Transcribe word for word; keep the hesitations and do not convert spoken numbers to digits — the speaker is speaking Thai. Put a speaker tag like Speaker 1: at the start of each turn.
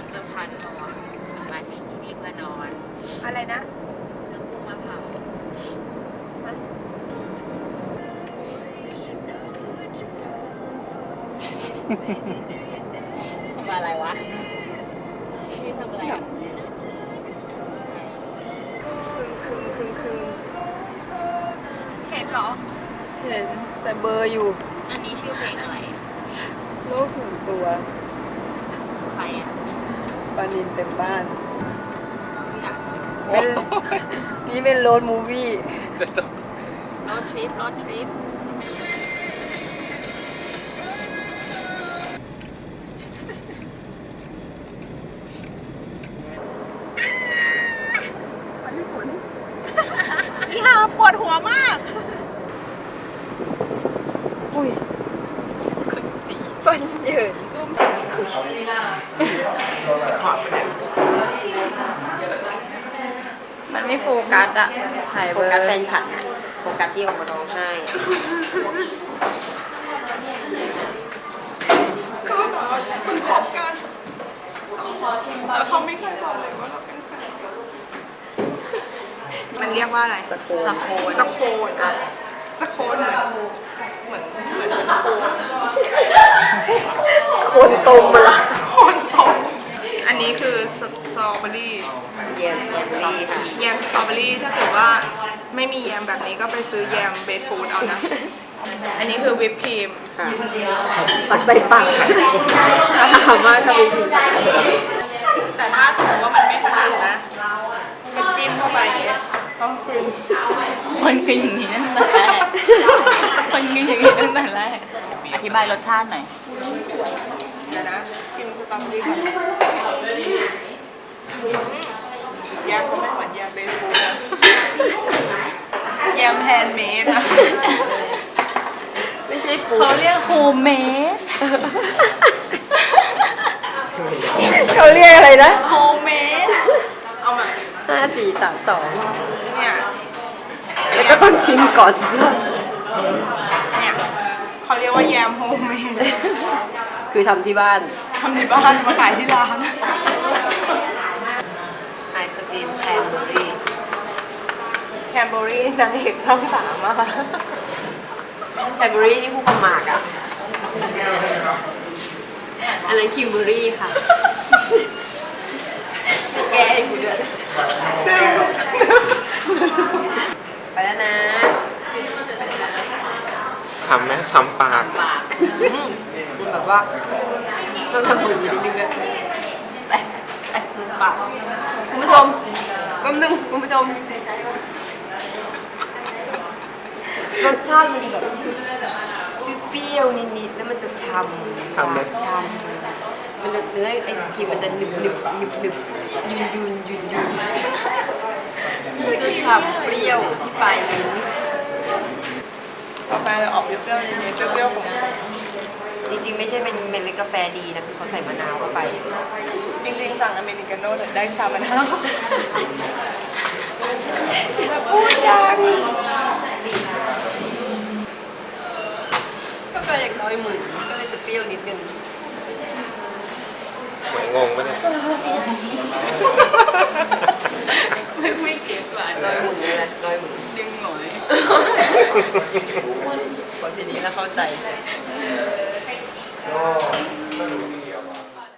Speaker 1: จะพันตัวมาที่นี่เพื่อนอน
Speaker 2: อะไรนะ
Speaker 1: ซื้อกุ้งมาเผาทำอะไรวะนี่ทำอะไรอ่ะ
Speaker 2: คืนคืนคืน
Speaker 1: เห็นเหรอ
Speaker 2: เห็นแต่เบอร์อยู่
Speaker 1: อันนี้ชื่อเพลงอะไรอ่ะ
Speaker 2: โลกส่วนตัว
Speaker 1: ใครอ่ะ
Speaker 2: ปานินเต็มบ้าน
Speaker 1: อยากจะ
Speaker 2: เป็นนี่เป็นโรดมูวี่
Speaker 1: รถทริปรถทริป
Speaker 2: ปันฝน
Speaker 1: อีห่าปวดหัวมาก
Speaker 2: อุ้ยคนตีฟันเหยินซุ่มมันไม่โฟกัสอะถ่าย
Speaker 3: โฟ
Speaker 2: เบอร์
Speaker 3: กัสแฟนฉันอะโฟกัสที่ออกมาร้องไห้อะ
Speaker 2: คุณคบกันแล้วเขาไม่เคยบอกเลยว่าเราเป็นแฟนมันเรียกว่าอะไรสโคนสโคนสโคนอะสโคนเหมือนเหมือนเหมือนโคน
Speaker 3: โคนตมมาละ
Speaker 2: โคนตรงอันนี้คือสตรอเบอรี่
Speaker 3: เยี่ยมสตรอเบอรี่ค่ะ
Speaker 2: แยมสตรอเบอรี่ถ้าเกิดว่าไม่มีแยมแบบนี้ก็ไปซื้อแยมเบสฟูดเอานะ อันนี้คือวิปครีม
Speaker 3: ค่ะตักใส่ปากถามมากค่ะพี่
Speaker 2: แต่ถ้าสมมติว่ามันไม่ถนัดนะก็จิ้มเข้าไปอย่างเงี้ยต้องปรุง
Speaker 1: คนกินอย่างนี้ตั้งแต่แรกคนกินอย่างนี้ตั้งแต่แรกอธิบายรสชาติหน่อย
Speaker 2: เดี๋ยวนะชิมสตรอเบอรี่ก่อนแยมก็ไม่เหมือนแยมเบสฟูดนะแยมแฮนด์เมดนะ
Speaker 3: ไม่ใช่ฟู
Speaker 1: เขาเรียกโฮมเมด
Speaker 3: เขาเรียกอะไรนะ
Speaker 1: โฮมเมด
Speaker 2: เอาใหม่
Speaker 3: ห้าสี่สามสอง
Speaker 2: เนี่ย
Speaker 3: แล้วก็ต้องชิมก่อน
Speaker 2: เนี่ยเขาเรียกว่าแยมโฮมเมด
Speaker 3: คือทำที่บ้าน
Speaker 2: ทำในบ้านมาขายที่ร้าน
Speaker 3: ไอศกรีมแคนเบอรี่
Speaker 2: แคนเบอรี่นางเอกช่องสามอะค่ะ
Speaker 3: แคนเบอรี่ที่คู่กับหมากอะอันนั้นคิมเบอรี่ค่ะไม่แก้ให้กูด้วยไปแล้วนะ
Speaker 4: ช้ำไหมช้ำปาก
Speaker 3: ปากมันแบบว่าต้องทำบุญอยู่นิดนึงด้วยไปไปมือปากคุณผู้ชมแป๊บนึงคุณผู้ชมรสชาติมันจะแบบเปรี้ยวๆนิดๆแล้วมันจะช่ำ
Speaker 4: ช้ำไหม
Speaker 3: ช่ำมันจะเนื้อไอศครีมมันจะหนึบหนึบหนึบหนึบยืนยืนยืนยืนมันจะฉ่ำเปรี้ยวที่ปลายลิ้น
Speaker 2: กาแฟเลยออกเปรี้ยวๆนิดๆเปรี้ยวๆของ
Speaker 3: จริงๆไม่ใช่เป็นเมล็ดกาแฟดีนะคือเขาใส่มะนาวเข้าไป
Speaker 2: จริงๆสั่งอเมริกาโน่ได้ชามะนาว
Speaker 3: พูดดังกาแฟอย่างน้อยหมื่นก็เลยจะเปรี้ยวนิดนึง
Speaker 4: เหมือนงงปะเนี่ย
Speaker 3: ไม่ไม่เก็บหวานน้อยหมื่นเลยแหละน้อยหมื่น
Speaker 1: ดึงหน่อย
Speaker 3: พอทีนี้แล้วเข้าใจใช่